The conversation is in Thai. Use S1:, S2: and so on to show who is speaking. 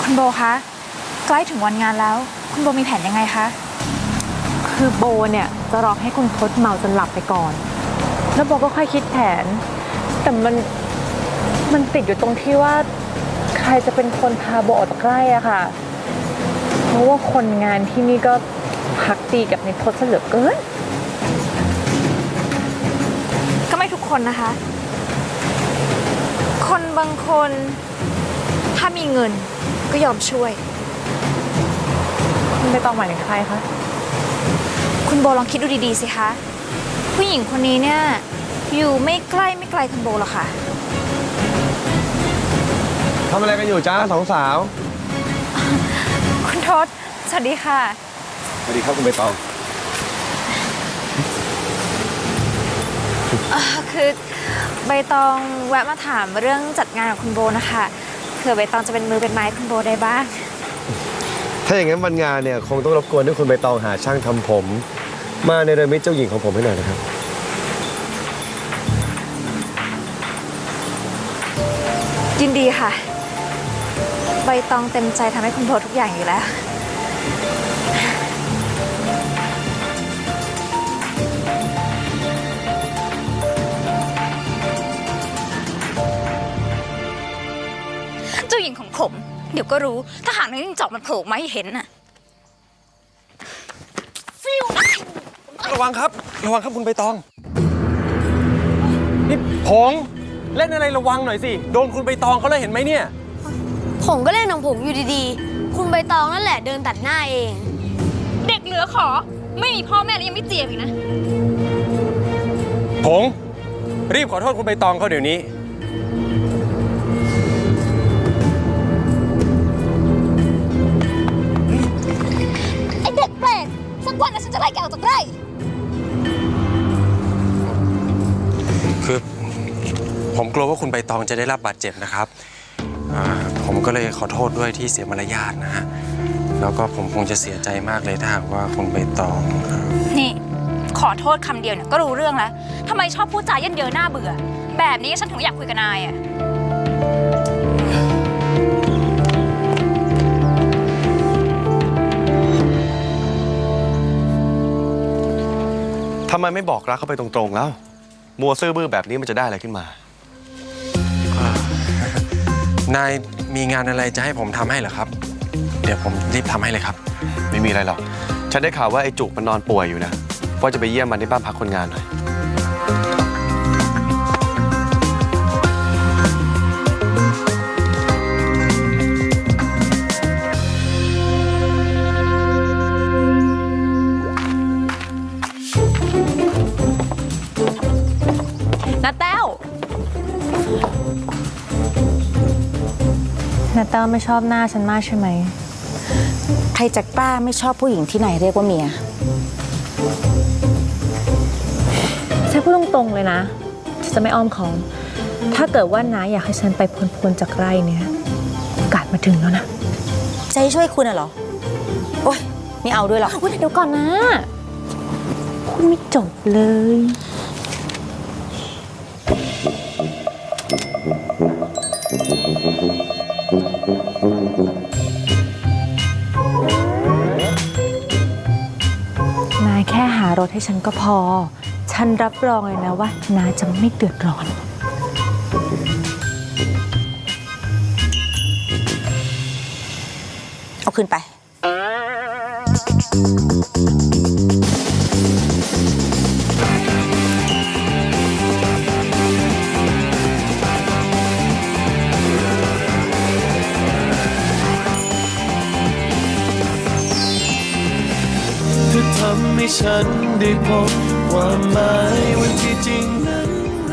S1: คุณโบคะใกล้ถึงวันงานแล้วคุณโบมีแผนยังไงคะ
S2: คือโบเนี่ยจะรอให้คุณทศเมาจนหลับไปก่อนแล้วโบก็ค่อยคิดแผนแต่มันติดอยู่ตรงที่ว่าใครจะเป็นคนพาโบออกจากใกล้อะค่ะเพราะว่าคนงานที่นี่ก็พักตีกับในทศเหลือเกิน
S1: ก็ไม่ทุกคนนะคะคนบางคนถ้ามีเงินก็ยอมช่วย
S2: คุณไม่ต้องหมายถึงใครคะ
S1: คุณโบลองคิดดูดีๆสิคะผู้หญิงคนนี้เนี่ยอยู่ไม่ใกล้ไม่ไกลคุณโบหรอกค่ะ
S3: ทำอะไรกันอยู่จ้าสองสาว
S1: คุณทศสวัสดีค่ะ
S3: สวัสดีครับคุณใบตอง
S1: คือใบตองแวะมาถามเรื่องจัดงานกับคุณโบนะคะเผื่อใบตองจะเป็นมือเป็นไม้คุณโบได้บ้าง
S3: ถ้าอย่างนั้นวันงานเนี่ยคงต้องรบกวนให้คุณใบตองหาช่างทำผมมาในเรมิตเจ้าหญิงของผมให้หน่อยนะครับ
S1: ยินดีค่ะใบตองเต็มใจทำให้คุณโบทุกอย่างอยู่แล้ว
S4: เจ้าหญิงของผมเดี๋ยวก็รู้ถ้าหากนายจิ้งจอกมันโผล่มาให้เห็นน่ะฟิว
S3: ระวังครับคุณใบตองนี่ผงเล่นอะไรระวังหน่อยสิโดนคุณใบตองเขาเลยเห็นไหมเนี่ย
S5: ผมก็เล่นของผมอยู่ดีๆคุณใบตองนั่นแหละเดินตัดหน้าเอง
S4: เด็กเหลือขอไม่มีพ่อแม่แล้วยังไม่เจียมอีกนะ
S3: ผงรีบขอโทษคุณใบตองเขาเดี๋ยวนี้
S4: ไอเด็กแปลกสักวันนะฉันจะไล่แกออกจากไร่
S6: คือผมกลัวว่าคุณใบตองจะได้รับบาดเจ็บนะครับผมก็เลยขอโทษด้วยที่เสียมารยาทนะฮะแล้วก็ผมคงจะเสียใจมากเลยถ้าหากว่าคุณใบตอง
S4: นี่ขอโทษคำเดียวเนี่ยก็รู้เรื่องแล้วทำไมชอบพูดจาเยินเยอหน้าเบื่อแบบนี้ฉันถึงอยากคุยกับนายอ่ะ
S3: ทำไมไม่บอกรักเขาไปตรงๆแล้วมัวซื่อบื้อแบบนี้มันจะได้อะไรขึ้นม
S6: านายมีงานอะไรจะให้ผมทำให้เหรอครับเดี๋ยวผมรีบทำให้เลยครับ
S3: ไม่มีอะไรหรอกฉันได้ข่าวว่าไอ้จุกมันนอนป่วยอยู่นะว่าจะไปเยี่ยมมันที่บ้านพักคนงานหน่อย
S2: น้าแต้วน้าแต้วไม่ชอบหน้าฉันมากใช่ไหม
S7: ใครจะกล้าไม่ชอบผู้หญิงที่ไหนเรียกว่าเมีย
S2: ฉันพูดตรงๆเลยนะฉันจะไม่อ้อมค้อมถ้าเกิดว่าน้าอยากให้ฉันไปพ้นจากไร่เนี่ยโอกาสมาถึงแล้วนะ
S7: จะให้ช่วยคุณเหรอโอ๊ยไม่เอาด้วยหรอก
S2: เดี๋ยวก่อนนะคุณไม่จบเลยนายแค่หารถให้ฉันก็พอฉันรับรองเลยนะว่าน้าจะไม่เดือดร้อน
S7: เอาขึ้นไป
S8: ทำให้ฉันได้พบความหมายว่าที่จริง